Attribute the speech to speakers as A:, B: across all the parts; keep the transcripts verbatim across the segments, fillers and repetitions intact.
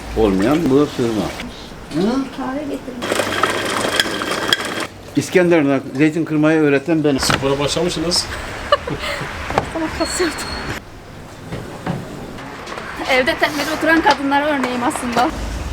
A: olmayan bu sığma.
B: Kahve getirdim.
A: İskenderun'a zeytin kırmayı öğreten benim.
C: Spora başlamışsınız.
B: Sana kas yaptım. Evde tembel oturan kadınlara örneğim aslında.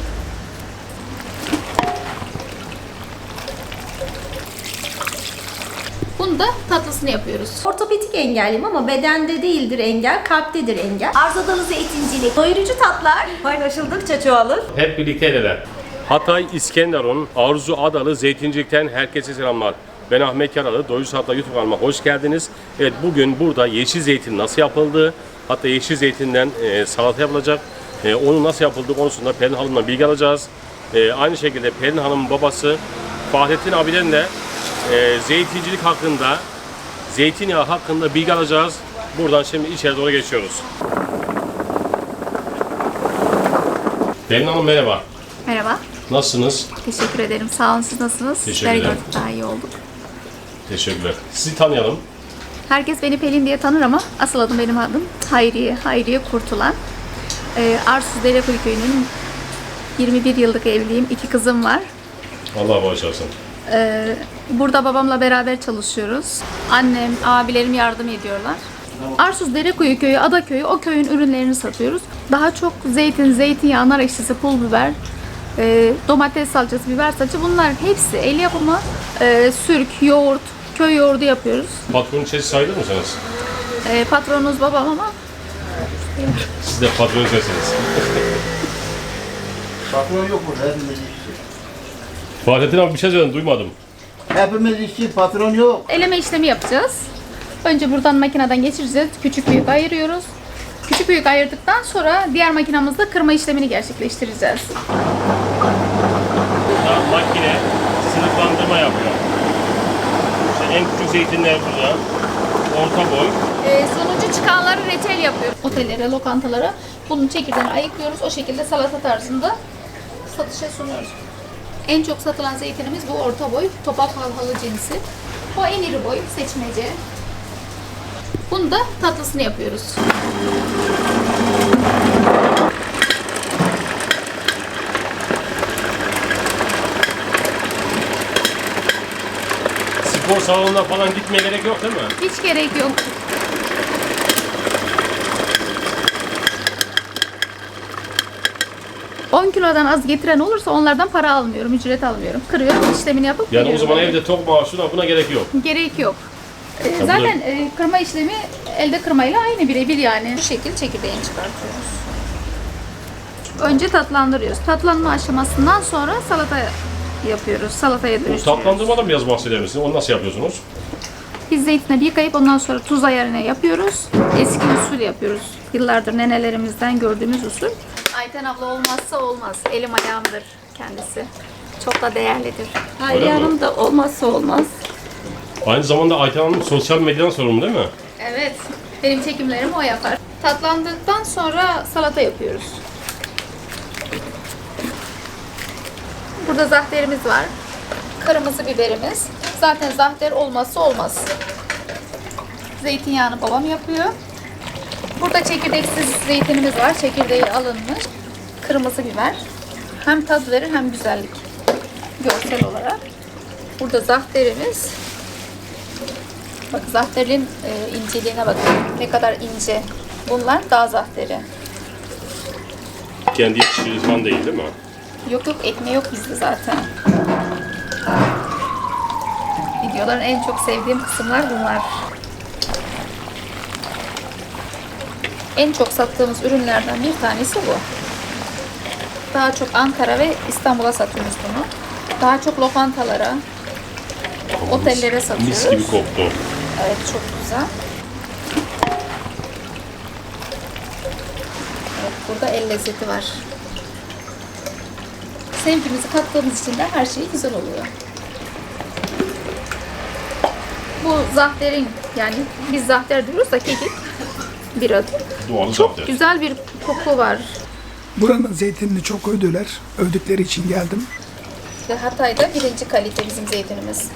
B: Bunu da tatlısını yapıyoruz.
D: Ortopedik engelliyim ama bedende değildir engel, kalptedir engel. Arzadalı zeytincilik, doyurucu tatlar paylaşıldıkça çoğalır.
C: Hep birlikte el ele. Hatay İskenderun Arzu Adalı Zeytincilik'ten herkese selamlar. Ben Ahmet Yaralı, Doyurucu Hatay YouTube kanalıma hoş geldiniz. Evet, bugün burada yeşil zeytin nasıl yapıldığı, hatta yeşil zeytinden e, salata yapılacak. E, onun nasıl yapıldığı konusunda Pelin Hanım'la bilgi alacağız. E, aynı şekilde Pelin Hanım'ın babası Fahrettin abiden de e, zeytincilik hakkında, zeytinyağı hakkında bilgi alacağız. Buradan şimdi içeri doğru geçiyoruz. Pelin Hanım merhaba.
B: Merhaba.
C: Nasılsınız?
B: Teşekkür ederim. Sağ olun. Siz nasılsınız?
C: Teşekkürler.
B: Sizleri gördük, daha iyi olduk.
C: Teşekkürler. Sizi tanıyalım.
B: Herkes beni Pelin diye tanır ama asıl adım benim adım Hayriye. Hayriye Kurtulan. Ee, Arsuz Derekuyu köyünün yirmi bir yıllık evliyim. İki kızım var.
C: Allah bağışlasın.
B: Ee, burada babamla beraber çalışıyoruz. Annem, abilerim yardım ediyorlar. Arsuz Derekuyu köyü, Ada köyü, o köyün ürünlerini satıyoruz. Daha çok zeytin, zeytinyağı, nar ekşisi, pul biber, e, domates salçası, biber salçası, bunlar hepsi el yapımı. E, sürk, yoğurt, köy yoğurdu yapıyoruz.
C: Patronun içerisi sayılır mısınız?
B: E, patronumuz babam ama
C: Siz de patron içerisiniz.
A: Patron yok burada, hepimiz işçi.
C: Fahrettin abi bir şey söyledin, duymadım.
A: Hepimiz işçi, patron yok.
B: eleme işlemi yapacağız. Önce buradan makineden geçireceğiz. Küçük büyük ayırıyoruz. Küçük büyük ayırdıktan sonra diğer makinamızda kırma işlemini gerçekleştireceğiz.
C: Burada makine sınıflandırma yapıyor. İşte en küçük zeytinler burada. Orta boy.
B: Ee, sonucu çıkanları reçel yapıyoruz. Otellere, lokantalara bunun çekirdeğini ayıklıyoruz. O şekilde salata tarzında satışa sunuyoruz. En çok satılan zeytinimiz bu orta boy, topak halhalı cinsi. O en iri boy, seçmece. Bunu da tatlısını yapıyoruz.
C: Spor salonuna falan gitmeye gerek yok değil mi?
B: Hiç gerek yok. on kilodan az getiren olursa onlardan para almıyorum, ücret almıyorum. Kırıyorum, işlemini yapıp
C: Yani o
B: veriyorum.
C: zaman evde tok maaşına buna gerek yok.
B: Gerek yok. Ee,
C: bu da-
B: zaten e, kırma işlemi elde kırmayla aynı, birebir yani. Bu şekil çekirdeğini çıkartıyoruz. Önce tatlandırıyoruz. Tatlanma aşamasından sonra salata yapıyoruz. Salataya
C: Bu
B: dönüştürüyoruz.
C: tatlandırmadan biraz bahseder misiniz? Onu nasıl yapıyorsunuz?
B: Biz zeytinleri yıkayıp ondan sonra tuz ayarını yapıyoruz. Eski usul yapıyoruz. Yıllardır nenelerimizden gördüğümüz usul. Ayten abla olmazsa olmaz. Elim ayağımdır kendisi. Çok da değerlidir.
D: Hayriye
C: Öyle mi?
D: Hanım da olmazsa olmaz.
C: Aynı zamanda Ayten Hanım sosyal medyadan sorumlu değil mi?
B: Evet. Benim çekimlerimi o yapar. Tatlandıktan sonra salata yapıyoruz. Burada zahterimiz var. Kırmızı biberimiz. Zaten zahter olmazsa olmaz. Zeytinyağını babam yapıyor. Burada çekirdeksiz zeytinimiz var. Çekirdeği alınmış. Kırmızı biber. Hem tat verir hem güzellik. Görsel olarak. Burada zahterimiz. Bak zahterin e, inceliğine bakın. Ne kadar ince. Bunlar dağ zahteri.
C: Kendi yetiştirdiği falan değil değil mi?
B: Yok yok, ekmeği yok bizde zaten. Videoların en çok sevdiğim kısımlar bunlar. En çok sattığımız ürünlerden bir tanesi bu. Daha çok Ankara ve İstanbul'a satıyoruz bunu. Daha çok lokantalara, otellere satıyoruz.
C: Mis gibi koktu.
B: Evet, çok güzel. Evet, burada el lezzeti var. Sevgimizi kattığımız için de her şey güzel oluyor. Bu zahterin, yani biz zahter diyoruz da kekik bir adı.
C: Doğal
B: Çok
C: zahter.
B: güzel bir koku var.
E: Buranın zeytinini çok övdüler. Övdükleri için geldim.
B: Ve Hatay'da birinci kalite bizim zeytinimiz.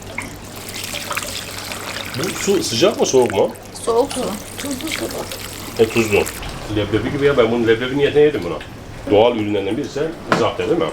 C: Bu su sıcak mı soğuk mu?
B: Soğuk su. Tuzlu su bu.
C: E tuzlu. Leblebi gibi ya, ben bunun leblebi niyetine yedim bunu. Doğal ürünlerden birisi zahter değil mi?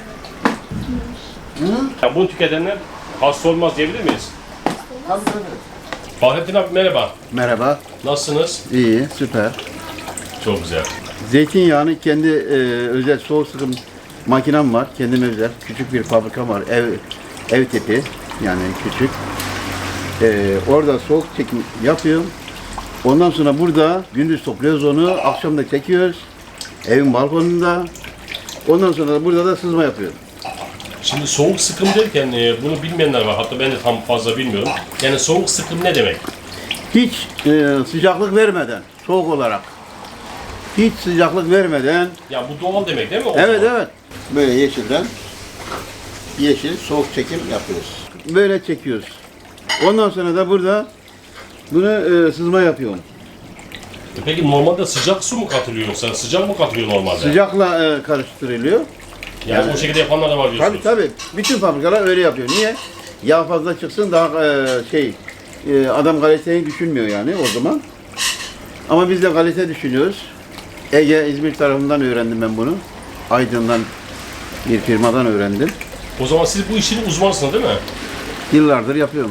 C: Hı? Yani bunu tüketenler hasta olmaz diyebilir miyiz?
A: Tabii tabii.
C: Fahrettin abi merhaba.
A: Merhaba.
C: Nasılsınız?
A: İyi, süper.
C: Çok güzel.
A: Zeytinyağını kendi e, özel soğuk sıkım makinem var. Kendime özel. Küçük bir fabrikam var. Ev ev tipi. Yani küçük. E, orada soğuk çekim yapıyorum. Ondan sonra burada gündüz topluyoruz onu. Akşam da çekiyoruz. Evin balkonunda. Ondan sonra da burada da sızma yapıyorum.
C: Şimdi soğuk sıkım derken e, bunu bilmeyenler var. Hatta ben de tam fazla bilmiyorum. Yani soğuk sıkım ne demek?
A: Hiç e, sıcaklık vermeden, soğuk olarak. Hiç sıcaklık vermeden.
C: Ya bu doğal demek değil mi? O
A: Evet
C: zaman?
A: evet. Böyle yeşilden yeşil soğuk çekim yapıyoruz. Böyle çekiyoruz. Ondan sonra da burada bunu e, sızma yapıyorum.
C: E peki normalde sıcak su mu katılıyor yoksa sıcak mı katılıyor normalde?
A: Sıcakla e, karıştırılıyor.
C: Yani, o şekilde yapanlar da var diyorsunuz.
A: Tabii tabii. Bütün fabrikalar öyle yapıyor. Niye? Yağ fazla çıksın daha e, şey e, adam kaliteyi düşünmüyor yani o zaman. Ama biz de kalite düşünüyoruz. Ege, İzmir tarafından öğrendim ben bunu. Aydın'dan bir firmadan öğrendim.
C: O zaman siz bu işin uzmanısınız değil mi?
A: Yıllardır yapıyorum.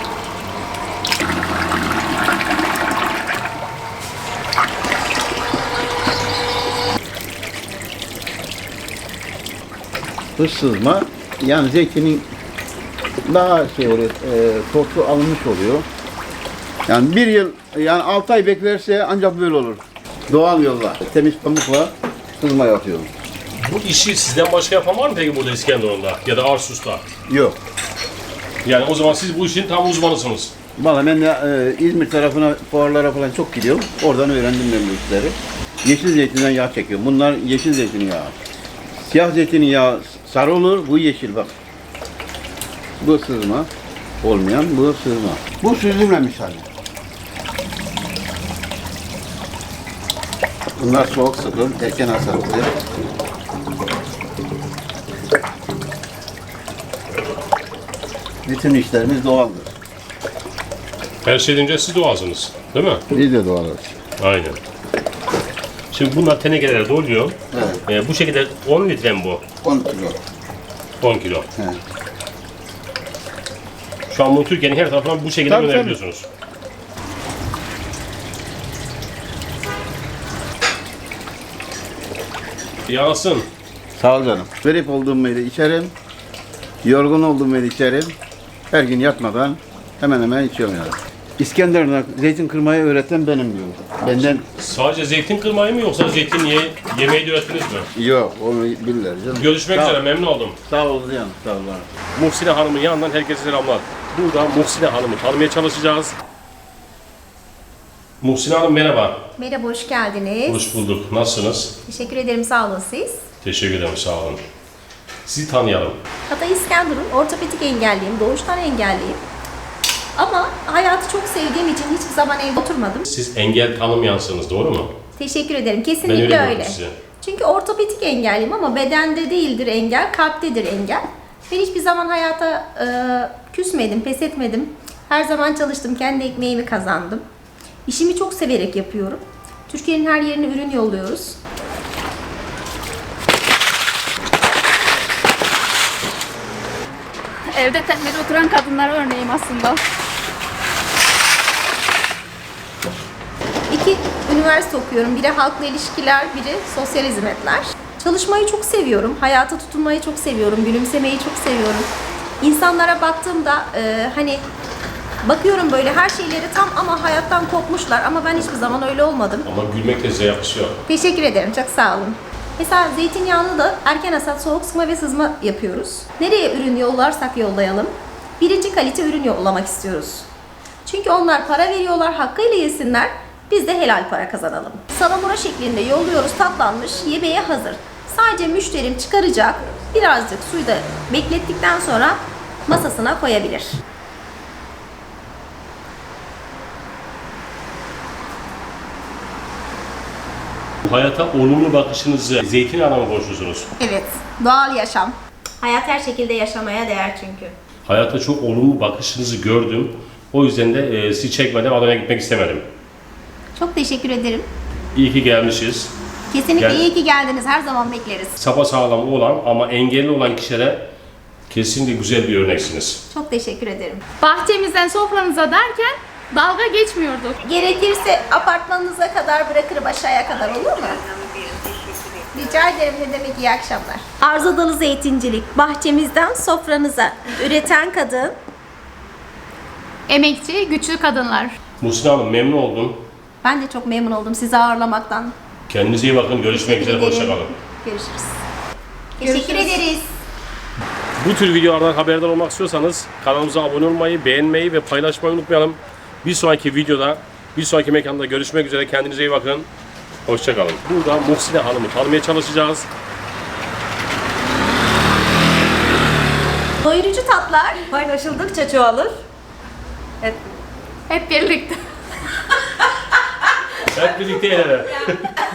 A: Dış sızma yani zeytinin daha şey oluyor, e, tortu alınmış oluyor. Yani bir yıl, yani altı ay beklerse ancak böyle olur. Doğal yolla, temiz pamukla sızma yapıyorum.
C: Bu işi sizden başka yapan var mı peki burada İskenderun'da ya da Arsus'ta?
A: Yok.
C: Yani o zaman siz bu işin tam uzmanısınız.
A: Vallahi ben de e, İzmir tarafına, fuarlara falan çok gidiyorum. Oradan öğrendim ben bu işleri. Yeşil zeytinden yağ çekiyorum. Bunlar yeşil zeytinyağı. Siyah zeytinyağı sarı olur, bu yeşil bak. Bu sızma olmayan, bu sızma. Bu süzülmemiş hali. Bunlar soğuk sıkım, erken hasatlı. Bütün işlerimiz doğaldır.
C: Her şeyden önce siz doğalsınız değil mi?
A: Biz de doğalız.
C: Aynen. Şimdi bunlar tenekelere doluyor.
A: Evet.
C: Ee, bu şekilde on litre mi bu?
A: on kilo.
C: on kilo.
A: He.
C: Şu an bunu Türkiye'nin her tarafından bu şekilde
A: Tabii,
C: gönderebiliyorsunuz. Yağsın.
A: Sağ ol canım. Grip olduğum yeri içerim. Yorgun olduğum yeri içerim. Her gün yatmadan hemen hemen içiyorum yani. İskenderun'a zeytin kırmayı öğreten benim diyor. Benden
C: Sadece zeytin kırmayı mı yoksa zeytin ye, yemeği de öğrettiniz mi?
A: yok, onu bilirler canım.
C: Görüşmek
A: Sağ ol.
C: üzere, memnun oldum.
A: Sağ ol canım, sağ ol bana.
C: Muhsine Hanım'ın yanından herkese selamlar. Burada Muhsine Hanım'ı tanımaya çalışacağız. Muhsine Hanım merhaba.
D: Merhaba, hoş geldiniz.
C: Hoş bulduk. Nasılsınız?
D: Teşekkür ederim, sağ olun siz.
C: Teşekkür ederim, sağ olun. Sizi tanıyalım.
D: Hatay İskenderun, ortopedik engelliyim, doğuştan engelliyim. Ama hayatı çok sevdiğim için hiçbir zaman evde oturmadım.
C: Siz engel tanımayansınız, doğru mu?
D: Teşekkür ederim,
C: Ben
D: kesinlikle
C: öyle
D: öyle.
C: gördüm sizi.
D: Çünkü ortopedik engelliyim ama bedende değildir engel, kalptedir engel. Ben hiçbir zaman hayata e, küsmedim, pes etmedim. Her zaman çalıştım, kendi ekmeğimi kazandım. İşimi çok severek yapıyorum. Türkiye'nin her yerine ürün yolluyoruz.
B: Evde tembel oturan kadınlara örneğim aslında.
D: İki üniversite okuyorum. Biri halkla ilişkiler, biri sosyal hizmetler. Çalışmayı çok seviyorum. Hayata tutunmayı çok seviyorum. Gülümsemeyi çok seviyorum. İnsanlara baktığımda e, hani bakıyorum böyle her şeyleri tam ama hayattan kopmuşlar ama ben hiçbir zaman öyle olmadım.
C: Ama gülmek de size yakışıyor.
D: Teşekkür ederim. Çok sağ olun. Mesela zeytinyağını da erken hasat, soğuk sıkma ve sızma yapıyoruz. Nereye ürün yollarsak yollayalım, birinci kalite ürün yollamak istiyoruz. Çünkü onlar para veriyorlar, hakkıyla yesinler, biz de helal para kazanalım. Salamura şeklinde yolluyoruz, tatlanmış, yemeğe hazır. Sadece müşterim çıkaracak, birazcık suyda beklettikten sonra masasına koyabilir.
C: Hayata olumlu bakışınızı zeytin anlamı borçlusunuz.
D: Evet, doğal yaşam. Hayat her şekilde yaşamaya değer çünkü.
C: Hayata çok olumlu bakışınızı gördüm. O yüzden de e, sizi çekmeden Adana'ya gitmek istemedim.
D: Çok teşekkür ederim.
C: İyi ki gelmişiz.
D: Kesinlikle
C: Gel.
D: iyi ki geldiniz. Her zaman bekleriz.
C: Sapasağlam olan ama engelli olan kişilere kesinlikle güzel bir örneksiniz.
D: Çok teşekkür ederim.
B: Bahçemizden sofranıza derken dalga geçmiyorduk.
D: Gerekirse apartmanınıza kadar bırakırım, aşağıya kadar, olur mu? Rica ederim, ne demek, iyi akşamlar. Arzu Dalı Zeytincilik, bahçemizden sofranıza. Üreten kadın.
B: Emekçi, güçlü kadınlar.
C: Muhsin Hanım memnun oldum.
D: Ben de çok memnun oldum sizi ağırlamaktan.
C: Kendinize iyi bakın. Görüşmek üzere.
D: Teşekkür
C: Hoşça
D: ederim.
C: kalın.
D: Görüşürüz. Teşekkür
B: Görüşürüz.
D: ederiz.
C: Bu tür videolardan haberdar olmak istiyorsanız kanalımıza abone olmayı, beğenmeyi ve paylaşmayı unutmayalım. Bir sonraki videoda, bir sonraki mekanda görüşmek üzere. Kendinize iyi bakın. Hoşça kalın. Burada Muhsine Hanım'ı tanımaya çalışacağız.
D: Doyurucu tatlar paylaşıldıkça çoğalır. Evet.
B: Hep birlikte.
C: Hep birlikte el ele.